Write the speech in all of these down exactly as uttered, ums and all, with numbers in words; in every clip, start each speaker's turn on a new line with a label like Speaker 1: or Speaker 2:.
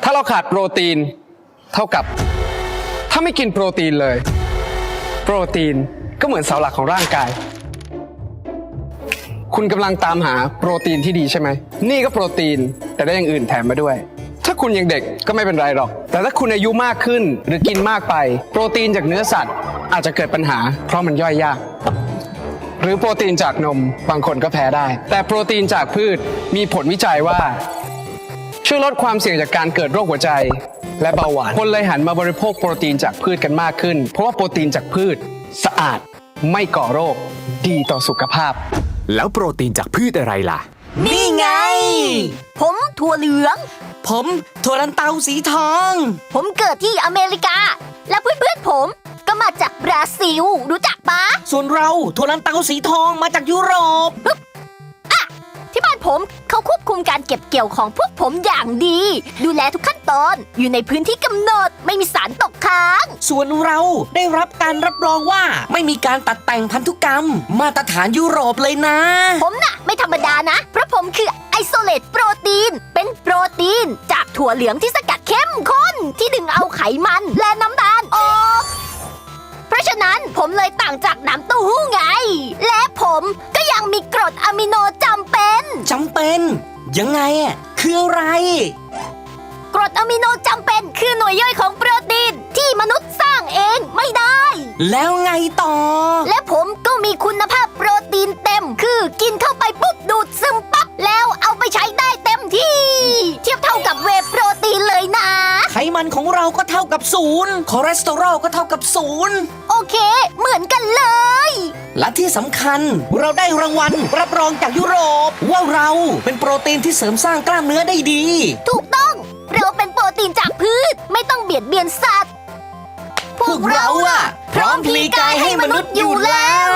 Speaker 1: าเราขาดโปรตีนเท่ากับถ้าไม่กินโปรตีนเลยโปรตีนก็เหมือนเสาหลักของร่างกายคุณกำลังตามหาโปรตีนที่ดีใช่ไหมนี่ก็โปรตีนแต่ได้อย่างอื่นแถมมาด้วยถ้าคุณยังเด็กก็ไม่เป็นไรหรอกแต่ถ้าคุณอายุมากขึ้นหรือกินมากไปโปรตีนจากเนื้อสัตว์อาจจะเกิดปัญหาเพราะมันย่อยยากหรือโปรตีนจากนมบางคนก็แพ้ได้แต่โปรตีนจากพืชมีผลวิจัยว่าช่วยลดความเสี่ยงจากการเกิดโรคหัวใจและเบาหวานคนเลยหันมาบริโภคโปรตีนจากพืชกันมากขึ้นเพราะว่าโปรตีนจากพืชสะอาดไม่ก่อโรคดีต่อสุขภาพ
Speaker 2: แล้วโปรตีนจากพืชอะไรล่ะ
Speaker 3: นี่ไงผมถั่วเหลือง
Speaker 4: ผมถั่วลันเตาสีทอง
Speaker 3: ผมเกิดที่อเมริกาและเพื่อนๆผมก็มาจากบราซิลรู้จักปะ
Speaker 4: ส่วนเราถั่วลันเตาสีทองมาจากยุโรป
Speaker 3: อะที่บ้านผมเขาควบคุมการเก็บเกี่ยวของพวกผมอย่างดีดูแลทุกขั้นตอนอยู่ในพื้นที่กำหนดไม่มีสารตกค้าง
Speaker 4: ส่วนเราได้รับการรับรองว่าไม่มีการตัดแต่งพันธุกรรมมาตรฐานยุโรปเลยนะ
Speaker 3: ผมน่ะไม่ธรรมดานะเพราะผมคือไอโซเลตโปรตีนเป็นโปรตีนจากถั่วเหลืองที่สกัดเข้มข้นที่ดึงเอาไขมันและน้ำตาลออกเพราะฉะนั้นผมเลยต่างจากน้ำเต้าหู้ไงและผมก็ยังมีกรดอะมิโนจำเป็น
Speaker 4: จำเป็นยังไงอ่ะคืออะไร
Speaker 3: กรดอะมิโนจำเป็นคือหน่วยย่อยของโปรตีนที่มนุษย์สร้างเองไม่ได้
Speaker 4: แล้วไงต่อ
Speaker 3: และผมก็มีคุณภาพโปรตีนเต็มคือกินเข้าไปปุ๊บดูดซึมปั๊บแล้วเอาไปใช้ได้เต็มที่เทียบเท่ากับเวย์โปรตีนเลยนะ
Speaker 4: ไขมันของเราก็เท่ากับศูนย์คอเลสเตอรอลก็เท่ากับศูนย์
Speaker 3: โอเคเหมือนกันเลย
Speaker 4: และที่สำคัญเราได้รางวัลรับรองจากยุโรปว่าเราเป็นโปรตีนที่เสริมสร้างกล้ามเนื้อได้ดี
Speaker 3: ถูกต้องเราเป็นโปรตีนจากพืชไม่ต้องเบียดเบียนสัตว์
Speaker 4: พวกเราอะพร้อมพลีกายให้มนุษย์อยู่แล้ว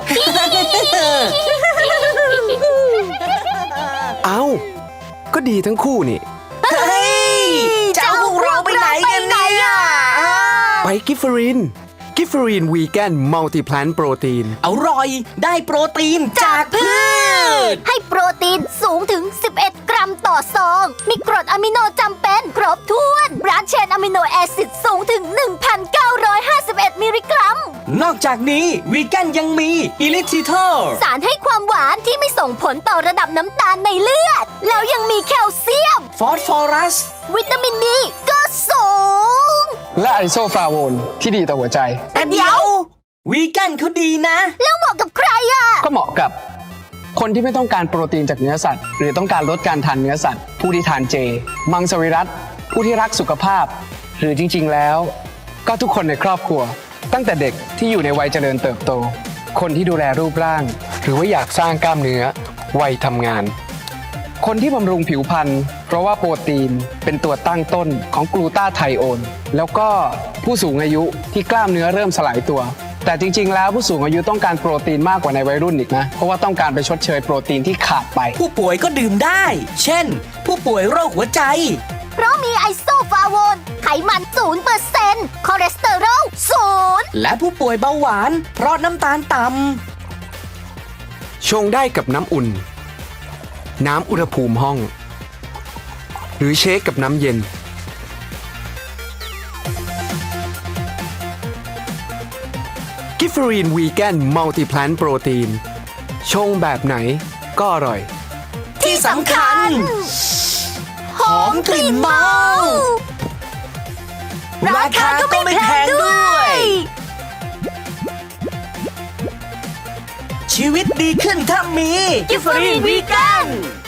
Speaker 1: เอ้าก็ดีทั้งคู่นี่
Speaker 4: เฮ้ยจะเอาพวกเราไปไหนกันเนี่ย
Speaker 1: ไปกิฟเฟอรินกิฟเฟอรินวีแกนมัลติแพลนโปรตีน
Speaker 4: อร่อยได้โปรตีนจากพืช
Speaker 3: ให้โปรตีนสูงถึงสิบเอ็ดกรัมต่อซองมีกรดอะมิโนจำเป็นครบถ้วนบรานช์เชนอะมิโนแอซิดสูงถึง หนึ่งพันเก้าร้อยห้าสิบเอ็ด มิลลิกรัม
Speaker 4: นอกจากนี้วีแกนยังมีอิลิทิเทอร์
Speaker 3: สารให้ความหวานที่ไม่ส่งผลต่อระดับน้ำตาลในเลือดแล้วยังมีแคลเซียม
Speaker 4: ฟอสฟอรัส
Speaker 3: วิตามินดีก็สูง
Speaker 1: และไอโซฟลาโวนที่ดีต่อหัวใจ
Speaker 4: แต่เดี๋ยววีแกนเขาดีนะ
Speaker 3: แล้วเหมาะกับใครอ่ะ
Speaker 1: ก็เหมาะกับคนที่ไม่ต้องการโปรตีนจากเนื้อสัตว์หรือต้องการลดการทานเนื้อสัตว์ผู้ที่ทานเจมังสวิรัติผู้ที่รักสุขภาพหรือจริงๆแล้วก็ทุกคนในครอบครัวตั้งแต่เด็กที่อยู่ในวัยเจริญเติบโตคนที่ดูแลรูปร่างหรือว่าอยากสร้างกล้ามเนื้อวัยทำงานคนที่บำรุงผิวพรรณเพราะว่าโปรตีนเป็นตัวตั้งต้นของกลูตาไทโอนแล้วก็ผู้สูงอายุที่กล้ามเนื้อเริ่มสลายตัวแต่จริงๆแล้วผู้สูงอายุต้องการโปรตีนมากกว่าในวัยรุ่นอีกนะเพราะว่าต้องการไปชดเชยโปรตีนที่ขาดไป
Speaker 4: ผู้ป่วยก็ดื่มได้เช่นผู้ป่วยโรคหัวใจ
Speaker 3: เพราะมีไอโซฟลาโวนไขมัน ศูนย์เปอร์เซ็นต์ คอเลสเตอรอลศูนย์
Speaker 4: และผู้ป่วยเบาหวานเพราะน้ำตาลต่ำ
Speaker 1: ชงได้กับน้ำอุ่นน้ำอุณหภูมิห้องหรือเชคกับน้ำเย็นกิฟเฟอรีนวีแกนมัลติแพลนโปรตีนชงแบบไหนก็อร่อย
Speaker 4: ที่สำคัญหอมกลิ่นเมาราคาก็ไม่แพงด้วยชีวิตดีขึ้นถ้ามี
Speaker 3: กิฟเฟอรีนวีแกน